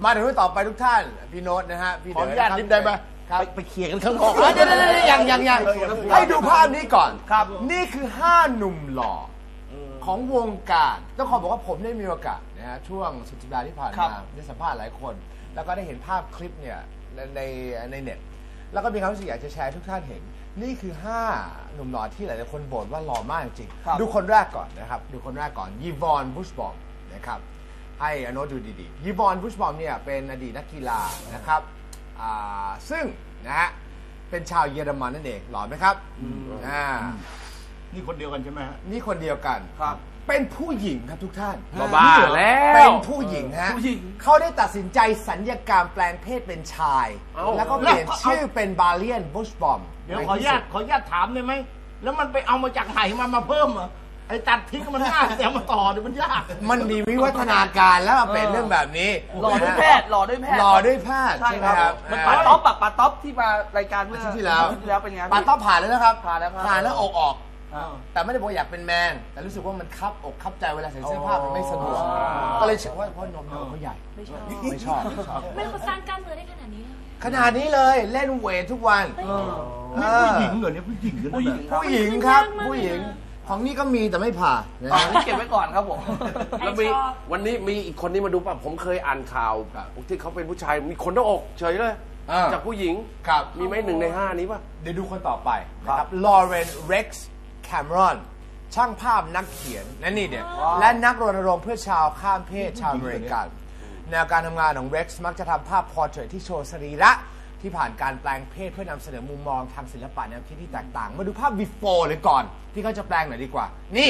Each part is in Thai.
มาถึงต่อไปทุกท่านพี่โน้ตนะฮะพี่ขออนุญาตนิดได้ไหมไปเคลียร์กันข้างนอกเดี๋ยวยังให้ดูภาพนี้ก่อนครับนี่คือ5หนุ่มหล่อของวงการต้องขอบอกว่าผมได้มีโอกาสนะฮะช่วงสุดสัปดาห์ที่ผ่านมาได้สัมภาษณ์หลายคนแล้วก็ได้เห็นภาพคลิปเนี่ยในเน็ตแล้วก็มีความรู้สึกอยากจะแชร์ทุกท่านเห็นนี่คือ5หนุ่มหล่อที่หลายๆคนบ่นว่าหล่อมากจริงดูคนแรกก่อนนะครับดูคนแรกก่อนยีวอนบุชบอมนะครับให้อโนดูดีๆยีวอนบุชบอมเนี่ยเป็นอดีตนักกีฬานะครับซึ่งนะฮะเป็นชาวเยอรมันนั่นเองหล่อไหมครับนี่คนเดียวกันใช่ไหมฮะนี่คนเดียวกันครับเป็นผู้หญิงครับทุกท่านบ้าแล้วเป็นผู้หญิงฮะเขาได้ตัดสินใจสัญญกรรมแปลงเพศเป็นชายแล้วก็เปลี่ยนชื่อเป็นบาเลียนบุชบอมเดี๋ยวขออนุญาตถามได้ไหมแล้วมันไปเอามาจากไหนมาเพิ่มเหรอไอ้ตัดทิ้งมันง่ายแต่มาต่อเนี่ยมันยากมันมีวิวัฒนาการแล้วเป็นเรื่องแบบนี้หล่อด้วยแพทย์ใช่ไหมครับมันปาต๊อปที่มารายการเมื่อที่แล้วเป็นไงปาต๊อปผ่านแล้วนะครับผ่านแล้วออกแต่ไม่ได้บอกอยากเป็นแมนแต่รู้สึกว่ามันคับอกคับใจเวลาใส่เสื้อผ้ามันไม่สะดวกก็เลยเชื่อว่าเพราะนมเขาใหญ่ไม่ชอบไม่เขาสร้างกล้ามเนื้อได้ขนาดนี้เลยเล่นเวททุกวันนี่ผู้หญิงเหรอเนี่ยผู้หญิงครับผู้หญิงของนี่ก็มีแต่ไม่ผ่านี่เก็บไว้ก่อนครับผมแล้วมีวันนี้มีอีกคนนี้มาดูป่ะผมเคยอ่านข่าวที่เขาเป็นผู้ชายมีคนหน้าอกเฉยเลยจากผู้หญิงมีไหม1 ใน 5นี้ป่ะเดี๋ยวดูคนต่อไปนะครับลอเรนเร็กซ์แคมรอนช่างภาพนักเขียนนี่เนี่ยและนักรณรงค์เพื่อชาวข้ามเพศชาวอเมริกันแนวการทำงานของเร็กซ์มักจะทำภาพพอร์เทรตที่โชว์สรีระที่ผ่านการแปลงเพศเพื่อนำเสนอมุมมองทางศิลปะแนวคิดที่แตกต่างมาดูภาพ before เลยก่อนที่เขาจะแปลงหน่อยดีกว่านี่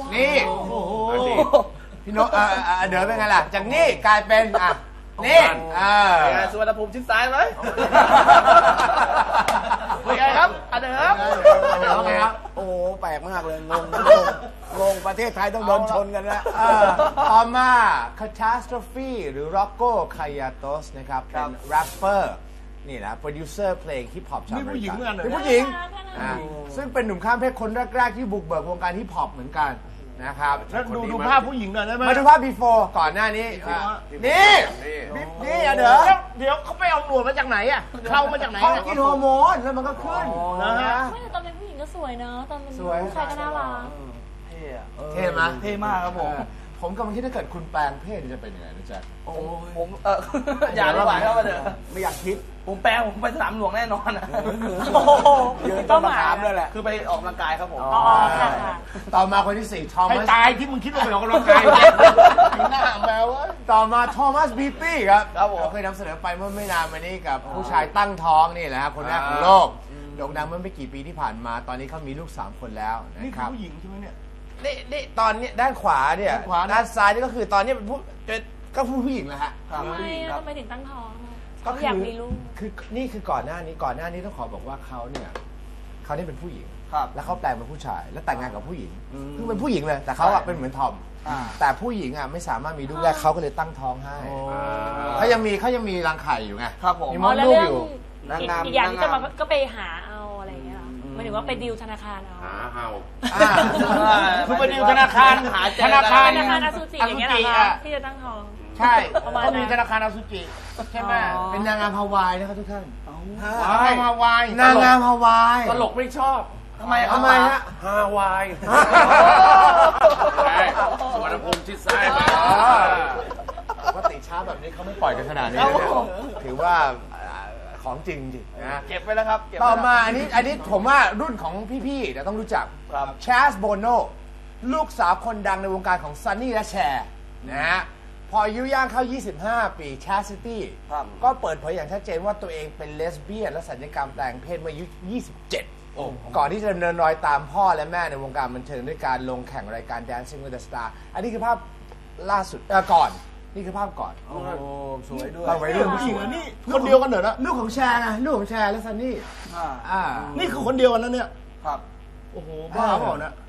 พี่โน้ตเดี๋ยวเป็นไงล่ะจากนี่กลายเป็นนี่สุวรรณภูมิชิดซ้ายไหมเป็นไงครับเดิมโอ้แปลกมากเลยงงประเทศไทยต้องโดนชนกันแล้วต่อมา Catastrophe หรือ Rocco Kaiatos นะครับเป็นแรปเปอร์นี่นะโปรดิวเซอร์เพลงฮิปฮอปชาวอเมริกันเป็นผู้หญิงซึ่งเป็นหนุ่มข้ามเพศคนแรกๆที่บุกเบิกวงการฮิปฮอปเหมือนกันนะครับดูภาพผู้หญิงหน่อยได้ไหมมาดูภาพ before ก่อนหน้านี้นี่เดี๋ยวเขาไปเอาหนวดมาจากไหนอ่ะเข้ามาจากไหนเขากินฮอร์โมนแล้วมันก็ขึ้นนะฮะไม่แต่ตอนเป็นผู้หญิงก็สวยเนอะตอนเป็นผู้ชายก็น่ารักเท่ไหมเท่มากครับผมกำลังคิดถ้าเกิดคุณแปลงเพศจะเป็นยังไงนะจ๊ะผมอย่าดีกว่าครับเดี๋ยวไม่อยากคิดผมไปสนามหลวงแน่นอนยืนต้นมะขามด้วยแหละคือไปออกกำลังกายครับผมต่อมาคนที่4ทอมัสตายที่มึงคิดว่าไปออกกำลังกายหน้าแมวต่อมาทอมัสบีตี้ครับเราเคยนำเสนอไปเมื่อไม่นานมานี้กับผู้ชายตั้งท้องนี่แหละครับคนแรกของโลกโด่งดังเมื่อไม่กี่ปีที่ผ่านมาตอนนี้เขามีลูก3 คนแล้วนะครับนี่คือผู้หญิงใช่ไหมเนี่ยนี่ตอนนี้ด้านขวาเนี่ยด้านซ้ายนี่ก็คือตอนนี้เป็นผู้หญิงแล้วฮะทำไมถึงตั้งท้องเขาอยากมีลูกคือนี่คือก่อนหน้านี้ต้องขอบอกว่าเขาเป็นผู้หญิงแล้วเขาแปลงเป็นผู้ชายแล้วแต่งงานกับผู้หญิงคือเป็นผู้หญิงเลยแต่เขาเป็นเหมือนทอมแต่ผู้หญิงไม่สามารถมีลูกได้เขาก็เลยตั้งท้องให้เขายังมีรังไข่อยู่ไงมีมดลูกอยู่อีกอย่างที่จะมาก็ไปหาเอาอะไรอย่างเงี้ยหมายถึงว่าไปดิวธนาคารเอาคือไปดิวธนาคารอสุจิอย่างเงี้ยเหรอที่จะตั้งท้องใช่เขามีธนาคารอสุจิใช่ไหมเป็นนางงามฮาวายนะครับทุกท่านฮาวายนางงามฮาวายตลกไม่ชอบทำไมฮะฮาวายสุวรรณภูมิชิดซ้ายปกติช้าแบบนี้เขาไม่ปล่อยกันขนาดนี้ถือว่าของจริงนะเก็บไว้แล้วครับต่อมาอันนี้ผมว่ารุ่นของพี่ๆเดี๋ยวต้องรู้จักแชสโบโนลูกสาวคนดังในวงการของซันนี่และแชร์นะฮะพออายุย่างเข้า25 ปีแชสซิตี้ก็เปิดเผยอย่างชัดเจนว่าตัวเองเป็นเลสเบี้ยนและสัญญกรรมแปลงเพศเมื่ออายุ27ก่อนที่จะดำเนินรอยตามพ่อและแม่ในวงการบันเทิงด้วยการลงแข่งรายการ Dancing with the Star อันนี้คือภาพล่าสุดก่อนนี่คือภาพก่อนโอ้สวยด้วยเราไว้เรื่องผู้หญิงนี่คนเดียวกันเหรอนะลูกของแชร์ไงลูกของแชร์และซันนี่นี่คือคนเดียวกันนะเนี่ยครับโอ้โหบ้าเปล่านะ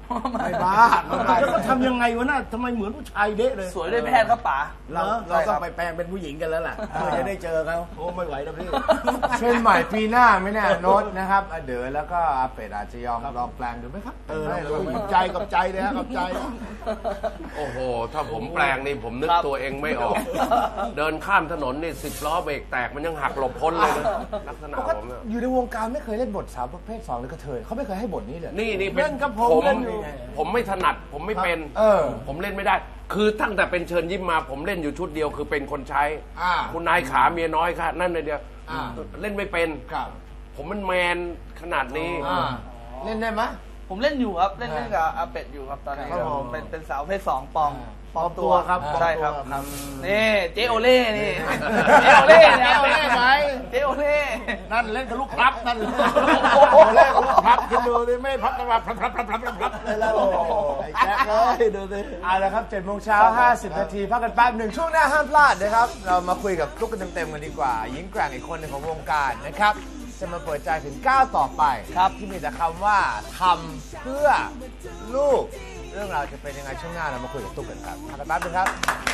ไม่บ้าแล้วก็ทำยังไงวะน่ะทำไมเหมือนผู้ชายเด๊ะเลยสวยด้วยแพทย์ครับป๋าเราต้องไปแปลงเป็นผู้หญิงกันแล้วล่ะเพื่อจะได้เจอเขาโอ้ไม่ไหวแล้วพี่เช่นใหม่ปีหน้าไม่แน่โน้ตนะครับเด๋อแล้วก็อาเป็ดอาจจะยอมลองแปลงดูไหมครับกับใจกับใจเลยฮะกับใจโอ้โห ถ้าผมแปลงนี่ผมนึกตัวเองไม่ออก เดินข้ามถนนนี่10 ล้อเบรกแตกมันยังหักหลบพ้นเลยนะลักษณะผมเนี่ยอยู่ในวงการไม่เคยเล่นบทสาวประเภท2หรือกระเทยเขาไม่เคยให้บทนี้เลยนี่เป็นเล่นกับผมผมเล่นอยู่ผมไม่ถนัดผมไม่เป็นผมเล่นไม่ได้ คือตั้งแต่เป็นเชิญยิ้มมาผมเล่นอยู่ชุดเดียวคือเป็นคนใช้คุณนายขาเมียน้อยค่ะนั่นเลยเดียวเล่นไม่เป็นผมมันแมนขนาดนี้เล่นได้ไหมผมเล่นอยู่ครับเล่นกับอาเป็ดอยู่ครับตอนนี้ครับผมเป็นสาวเพศ2ปลอมตัวครับใช่ครับปลอมตัวครับนี่เจโอเล่นี่เจโอเล่เจโอเล่ไหมเจโอเล่นั่นเล่นกับลูกพลับนั่นโอ้โหเล่นกับลูกพลับคิดดูดิไม่พับกันมาพลับเลยแล้วไอ้แจ๊คเลยดูสิเอาละครับ7 โมงเช้า50 นาทีพักกันแป๊บหนึ่งช่วงหน้าห้ามพลาดนะครับ เรามาคุยกับตุ๊กกันเต็มๆกันดีกว่าหญิงแกร่งอีกคนหนึ่งของวงการนะครับ จะมาเปิดใจถึงก้าวต่อไปครับที่มีแต่คำว่าทำเพื่อลูกเรื่องราวจะเป็นยังไงช่วงหน้าเรามาคุยกับตุ๊กกันครับพักกันแป๊บนึงครับ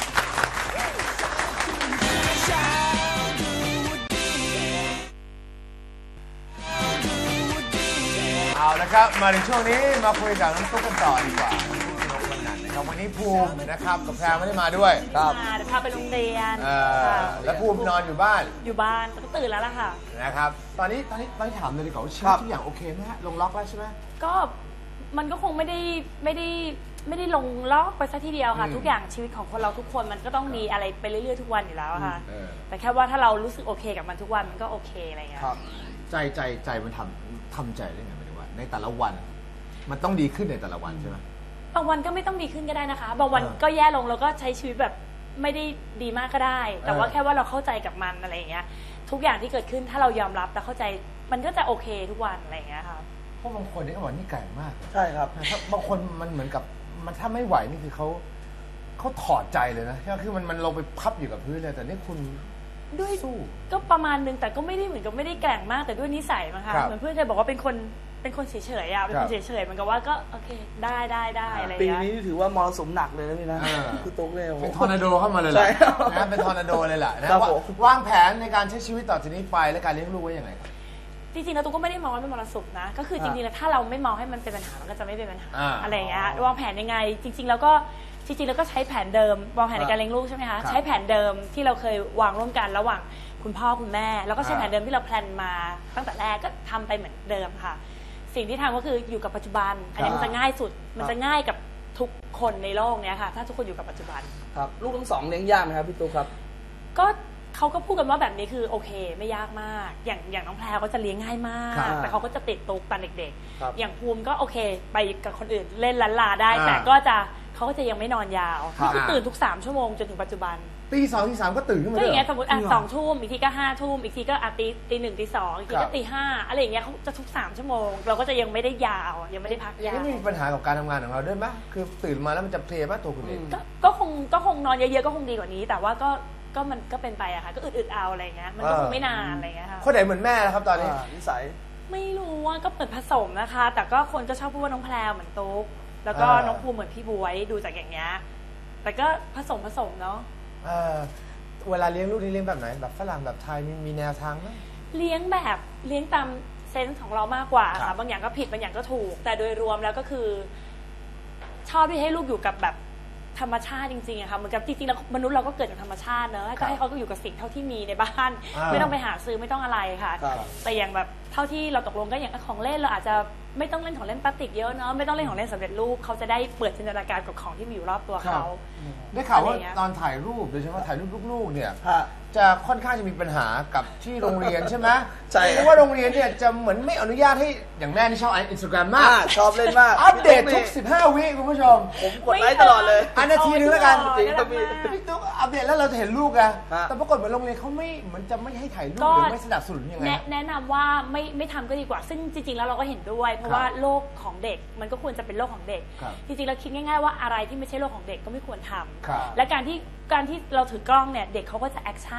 เอาละครับมาถึงช่วงนี้มาคุยกับน้องตุ๊กกันต่อดีกว่าน้องคนนั้นนะครับวันนี้ภูมินะครับกับแพรไม่ได้มาด้วยเดี๋ยวพาไปโรงเรียนค่ะแล้วภูมินอนอยู่บ้านอยู่บ้านก็ตื่นแล้วล่ะค่ะนะครับตอนนี้ถามเลยดีกว่าว่าชีวิตทุกอย่างโอเคไหมฮะลงล็อกแล้วใช่ไหมก็มันก็คงไม่ได้ลงล็อกไปซะทีเดียวค่ะ ทุกอย่างชีวิตของคนเราทุกคนมันก็ต้องมีอะไรไปเรื่อยๆทุกวันอยู่แล้วค่ะ แต่แค่ว่าถ้าเรารู้สึกโอเคกับมันทุกวันมันก็โอเคอะไรอย่างเงี้ยใจมันทำใจได้ไงหมายถึงว่าในแต่ละวัน มันต้องดีขึ้นในแต่ละวันใช่ไหมบางวันก็ไม่ต้องดีขึ้นก็ได้นะคะ บางวันก็แย่ลงแล้วก็ใช้ชีวิตแบบไม่ได้ดีมากก็ได้ แต่ว่าแค่ว่าเราเข้าใจกับมันอะไรอย่างเงี้ยทุกอย่างที่เกิดขึ้นถ้าเรายอมรับแต่เข้าใจมันก็จะโอเคทุกวันอะไรอย่างเงี้ยค่ะเพราะบางคนนี่ก็บอกนี่ไก่มากใช่ครับบางคนมันเหมือนกับมันถ้าไม่ไหวนี่คือเขาถอดใจเลยนะคือมันลงไปพับอยู่กับพื้นเลยแต่นี่คุณด้วยก็ประมาณนึงแต่ก็ไม่ได้เหมือนกับไม่ได้แกร่งมากแต่ด้วยนิสัยมั้งคะเหมือนเพื่อนจะบอกว่าเป็นคนเฉยๆอ่ะเป็นคนเฉยๆมันก็ว่าก็โอเคได้อะไรอย่างปีเงี้ยนี้ถือว่ามรสุมหนักเลยนะพี่นะคือตุ๊กเนี่ยเป็นทอร์นาโดเข้ามาเลยแหใช่ละนะเป็นทอร์นาโดเลยแหละนะครับผมวางแผนในการใช้ชีวิตต่อจากนี้ไปและการเลี้ยงลูกไว้ยังไงครับจริงๆแล้วตุ๊กก็ไม่ได้มองว่าเป็นมรสุมนะก็คือจริงๆแล้วถ้าเราไม่มองให้มันเป็นปัญหามันก็จะไม่เป็นปัญหาอะไรอย่างเงี้ยวางแผนยังไงจริงๆแล้วก็ใช้แผนเดิมวางแผนในการเลี้ยงลูกใช่ไหมคะใช้แผนเดิมที่เราเคยวางร่วมกันระหว่างคุณพ่อคุณแม่แล้วก็ใช้แผนเดิมที่เราแพลนมาตั้งแต่แรกก็ทำไปเหมือนเดิมค่ะสิ่งที่ทำก็คืออยู่กับปัจจุบันอันนี้มันจะง่ายสุดมันจะง่ายกับทุกคนในโลกเนี้ยค่ะถ้าทุกคนอยู่กับปัจจุบันครับลูกทั้งสองเลี้ยงยากไหมครับพี่ตุ๊กครับก็เขาก็พูดกันว่าแบบนี้คือโอเคไม่ยากมากอย่างน้องแพรก็จะเลี้ยงง่ายมากแต่เขาก็จะติดตุ๊กตอนเด็กๆอย่างภูมิก็โอเคไปกับคนอื่นเล่นลันลาได้แต่เขาก็จะยังไม่นอนยาวคือตื่นทุก3 ชั่วโมงจนถึงปัจจุบันตี 2 ตี 3ก็ตื่นขึ้นมาก็เลยอย่างเงี้ยสมมติ2 ทุ่มอีกทีก็5 ทุ่มอีกทีก็ตี 1 ตี 2อีกทีก็ตี 5อะไรอย่างเงี้ยเขาจะทุก3 ชั่วโมงเราก็จะยังไม่ได้ยาวยังไม่ได้พักยาวนี่มีปัญหากับการทำงานของเราด้วยไหมคือตื่นมาแล้วมันจะเพลียป่ะตัวคุณเองก็คงนอนเยอะๆก็คงดีกว่านี้แต่ว่าก็มันก็เป็นไปอะค่ะก็อึดๆเอาอะไรเงี้ยมันก็คงไม่นานอะไรเงี้ยค่ะคนไหนเหมือนแม่นะครับตอนนี้นิสัยไม่รู้ว่าก็เปิดผสมนะคะแต่ก็คนก็ชอบพูดว่าน้องแพรเหมือนตุ๊กแล้วก็น้องภูมิเหมือนพี่บวยดูจากอย่างเงี้ยแต่ก็ผสมเนาะเวลาเลี้ยงลูกนี่เลี้ยงแบบไหนแบบฝรั่งแบบไทยมีแนวทางไหมเลี้ยงตามเซนส์ของเรามากกว่าค่ะบางอย่างก็ผิดบางอย่างก็ถูกแต่โดยรวมแล้วก็คือชอบที่ให้ลูกอยู่กับแบบธรรมชาติจริงๆอะค่ะเหมือนกับจริงๆแล้วมนุษย์เราก็เกิดจากธรรมชาติเนอะก็ให้เขาอยู่กับสิ่งเท่าที่มีในบ้านไม่ต้องไปหาซื้อไม่ต้องอะไรค่ะแต่อย่างแบบเท่าที่เราตกลงก็อย่างของเล่นเราอาจจะไม่ต้องเล่นของเล่นพลาสติกเยอะเนาะไม่ต้องเล่นของเล่นสำเร็จรูปเขาจะได้เปิดจินตนาการกับของที่มีอยู่รอบตัวเขาได้ข่าวว่าตอนถ่ายรูปโดยเฉพาะถ่ายรูปลูกๆเนี่ยจะค่อนข้างจะมีปัญหากับที่โรงเรียนใช่ไหมใช่เพราะว่าโรงเรียนเนี่ยจะเหมือนไม่อนุญาตให้อย่างแม่ที่ชอบInstagram มากชอบเล่นมากอัปเดตทุก15 วิคุณผู้ชมผมกดไลค์ตลอดเลยนาทีนึงแล้วกันจริงต้องมีพี่ตุ๊กอัปเดตแล้วเราจะเห็นลูกอะแต่ปรากฏเหมือนโรงเรียนเขาไม่เหมือนจะไม่ให้ถ่ายรูปหรือไม่สนับสนุนยังไงแนะนำว่าไม่ทำก็ดีกว่าซึ่งจริงๆแล้วเราก็เห็นด้วยเพราะว่าโลกของเด็กมันก็ควรจะเป็นโลกของเด็กจริงๆเราคิดง่ายๆว่าอะไรที่ไม่ใช่โลกของเด็กก็ไม่ควรทำและการที่เราถือกล้องเนี่ยเด็กเขาก็จะแอคชั่น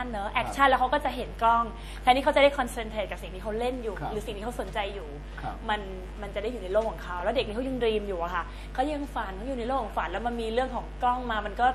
นเนอะแอคชั่นแล้วเขาก็จะเห็นกล้องแทนที่เขาจะได้คอนเซนเทรตกับสิ่งที่เขาเล่นอยู่ หรือสิ่งที่เขาสนใจอยู่มันจะได้อยู่ในโลกของเขาแล้วเด็กนี่เขายังดรีมอยู่อะค่ะเขายังฝันเขาอยู่ในโลกของฝันแล้วมันมีเรื่องของกล้องมามันก็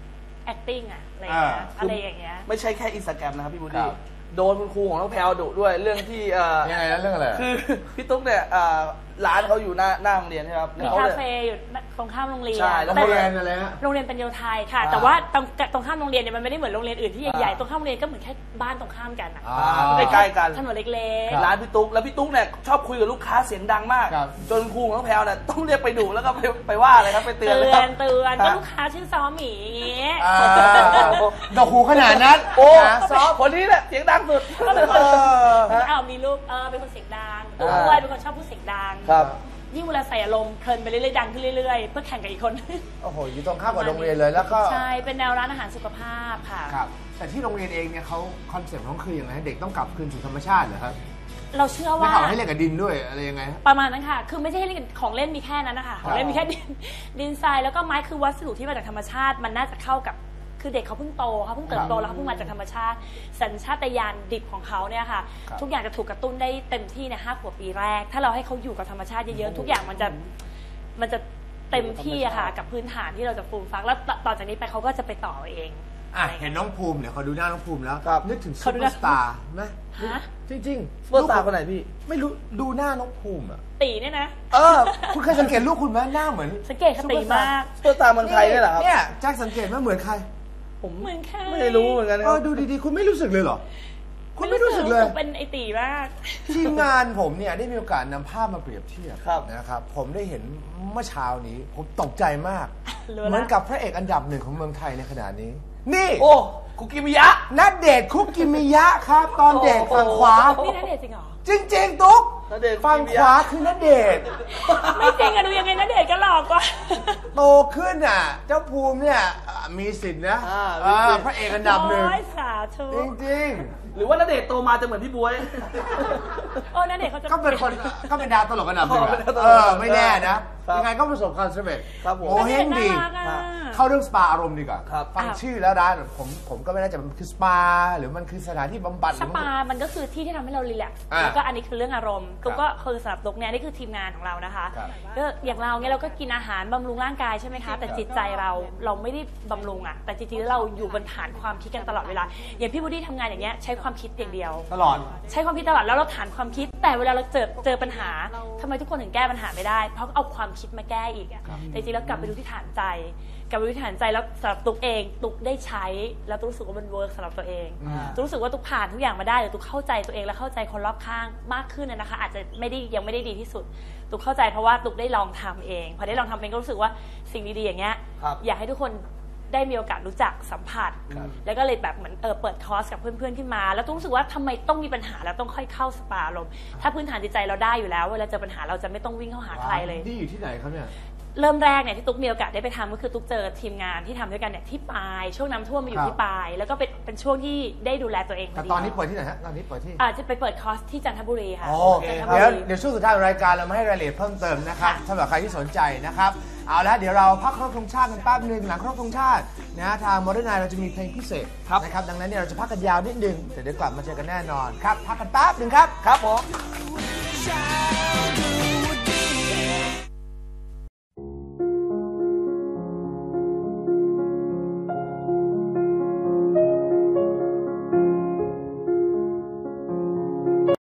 acting อะอะไรอย่างเงี้ยไม่ใช่แค่อินสตาแกรมนะครับพี่บูดี้โดนคุณครูของน้องแพลวดุด้วยเรื่องที่ยังไงนะเรื่องอะไรคือพี่ตุ๊กเนี่ยร้านเขาอยู่หน้าโรงเรียนใช่ไหมครับมีคาเฟ่อยู่ตรงข้ามโรงเรียนใช่แล้วโรงเรียนอะไรฮะโรงเรียนเป็นโยไทยค่ะแต่ว่าตรงข้ามโรงเรียนเนี่ยมันไม่ได้เหมือนโรงเรียนอื่นที่ใหญ่ๆตรงข้ามโรงเรียนก็เหมือนแค่บ้านตรงข้ามกันอะใกล้ๆกันถนนเล็กร้านพี่ตุ๊กแล้วพี่ตุ๊กเนี่ยชอบคุยกับลูกค้าเสียงดังมากจนครูของน้องแพลวเนี่ยต้องเรียกไปดุแล้วก็ไปว่าอะไรครับไปเตือนก็ลูกค้าชื่อซ้อหมีอย่างเงี้ยดอกหูขนาดนั้นโอ้ซ้อคนนี้แหละเสียงดังสุดมีลูกเป็นคนเสียงดังด้วยเป็นคนชอบพูดเสียงดังยิ่งเวลาใส่อารมณ์เพลินไปเรื่อยๆดังขึ้นเรื่อยๆเพื่อแข่งกับอีกคนโอ้โหอยู่ตรงข้ามกับโรงเรียนเลยแล้วก็ใช่เป็นแนวร้านอาหารสุขภาพค่ะครับแต่ที่โรงเรียนเองเนี่ยเขาคอนเซ็ปต์ของคืออย่างไรเด็กต้องกลับคืนสู่ธรรมชาติเหรอครับเราเชื่อว่าไม่ให้เล่นกับดินด้วยอะไรยังไงประมาณนั้นค่ะคือไม่ใช่ให้เล่นของเล่นมีแค่นั้นนะคะของเล่นมีแค่ดินทรายแล้วก็ไม้คือวัสดุที่มาจากธรรมชาติมันน่าจะเข้ากับคือเด็กเขาเพิ่งโตเขาเพิ่งเติบโตแล้วเขาเพิ่งมาจากธรรมชาติสัญชาตญาณดิบของเขาเนี่ยค่ะทุกอย่างจะถูกกระตุ้นได้เต็มที่ใน5 ขวบปีแรกถ้าเราให้เขาอยู่กับธรรมชาติเยอะๆทุกอย่างมันจะเต็มที่อะค่ะกับพื้นฐานที่เราจะฟูมฟักแล้วต่อจากนี้ไปเขาก็จะไปต่อเองเห็นน้องภูมิเนี่ยเขาดูหน้าน้องภูมิแล้วนึกถึงซุปเปอร์สตาร์ไหมจริงๆซุปเปอร์สตาร์คนไหนพี่ไม่รู้ดูหน้าน้องภูมิอะตีเนี่ยนะคุณเคยสังเกตลูกคุณไหมหน้าเหมือนสังเกตตีมากซุปเปอร์สตาร์เมืองไทยนี่แหละครับเนี่ยแจ็คสังเกตว่าเหมือนใครผมเหมือนใครไม่รู้เหมือนกันดูดีๆคุณไม่รู้สึกเลยเหรอคุณไม่รู้สึกเลยเป็นไอตีมากทีมงานผมเนี่ยได้มีโอกาสนำภาพมาเปรียบเทียบนะครับผมได้เห็นเมื่อเช้านี้ผมตกใจมากเหมือนกับพระเอกอันดับ1ของเมืองไทยในขณะนี้นี่โอ้คุกิมิยะณเดชน์คุกิมิยะครับตอนเด็กฝั่งขวานี่ณเดชน์จริงเหรอจริงๆตุ๊กฝั่งขวาคือณเดชน์ไม่จริงอะดูยังไงณเดชน์ก็หลอกกว่าโตขึ้นอ่ะเจ้าภูมิเนี่ยมีสิทธิ์นะพระเอกอันดับ1 สาธุจริงหรือว่าณเดชน์โตมาจะเหมือนพี่บ๊วยณเดชน์เขาจะก็เป็นคนก็เป็นดาวตลกอันดับ1ไม่แน่นะยังไงก็ประสบความสำเร็จโอ้เฮงดีเข้าเรื่องสปาอารมณ์ดีกว่าฟังชื่อแล้วร้านผมก็ไม่แน่ใจมันคือสปาหรือมันคือสถานที่บำบัดสปามันก็คือที่ที่ทำให้เรารีแลกซ์แล้วก็อันนี้คือเรื่องอารมณ์ตุ๊กก็คือสำหรับตุ๊กเนี่ยนี่คือทีมงานของเรานะคะก็อย่างเราเนี่ยเราก็กินอาหารบำรุงร่างกายใช่ไหมคะแต่จิตใจเราไม่ได้บำรุงอะแต่จริงๆแล้วเราอยู่บนฐานความคิดกันตลอดเวลาอย่างพี่บูดี้ทำงานอย่างเงี้ยใช้ความคิดอย่างเดียวตลอดใช้ความคิดตลอดแล้วเราฐานความคิดแต่เวลาเราเจอปัญหาทำไมทุกคนถึงแก้ปัญหาไม่ได้เพราะเอาความคิดมาแก้อีกอะแต่จริงๆแล้วกลับไปดูที่ฐานใจกลับไปดูที่ฐานใจแล้วสำหรับตุ๊กเองตุ๊กได้ใช้แล้วตุ๊กรู้สึกว่ามันเวิร์กสำหรับตัวเองตุ๊กรู้สึกว่าตุ๊กผ่านทุกอย่างมาได้หรือตุ๊กเข้าใจตัวเองและเข้าใจคนรอบข้างมากขึ้นนะคะอาจจะยังไม่ได้ดีที่สุดตุ๊กเข้าใจเพราะว่าตุ๊กได้ลองทำเองพอได้ลองทำเองก็รู้สึกว่าสิ่งดีๆอย่างเงี้ยอยากให้ทุกคนได้มีโอกาสรู้จักสัมผัสแล้วก็เลยแบบเหมือนเปิดคอร์สกับเพื่อนๆขึ้นมาแล้วตุ๊กรู้สึกว่าทำไมต้องมีปัญหาแล้วต้องค่อยเข้าสปาลมถ้าพื้นฐานจิตใจเราได้อยู่แล้วเวลาเจอปัญหาเราจะไม่ต้องวิ่งเข้าหาใครเลยนี่อยู่ที่ไหนครับเนี่ยเริ่มแรกเนี่ยที่ตุ๊กมีโอกาสได้ไปทำก็คือตุ๊กเจอทีมงานที่ทำด้วยกันเนี่ยที่ปายช่วงน้ำท่วมมาอยู่ที่ปายแล้วก็เป็นช่วงที่ได้ดูแลตัวเองแต่ตอนนี้เปิดที่ไหนฮะตอนนี้เปิดที่จะไปเปิดคอร์สที่จันทบุรีค่ะโอเคเดี๋ยวช่วงสุดท้ายของรายการเรามาให้รายละเอียดเพิ่มเติมนะครับสำหรับใครที่สนใจนะครับเอาละเดี๋ยวเราพักครบธงชาติกันแป๊บนึงหลังครบธงชาตินะทางโมเดิร์นไนท์เราจะมีเพลงพิเศษนะครับดังนั้นเนี่ยเราจะพักกันยาวนิดนึงแต่เดี๋ยวกลับมาเจอกันแน่นอนครับพักกันแป๊บนึงครับครับผม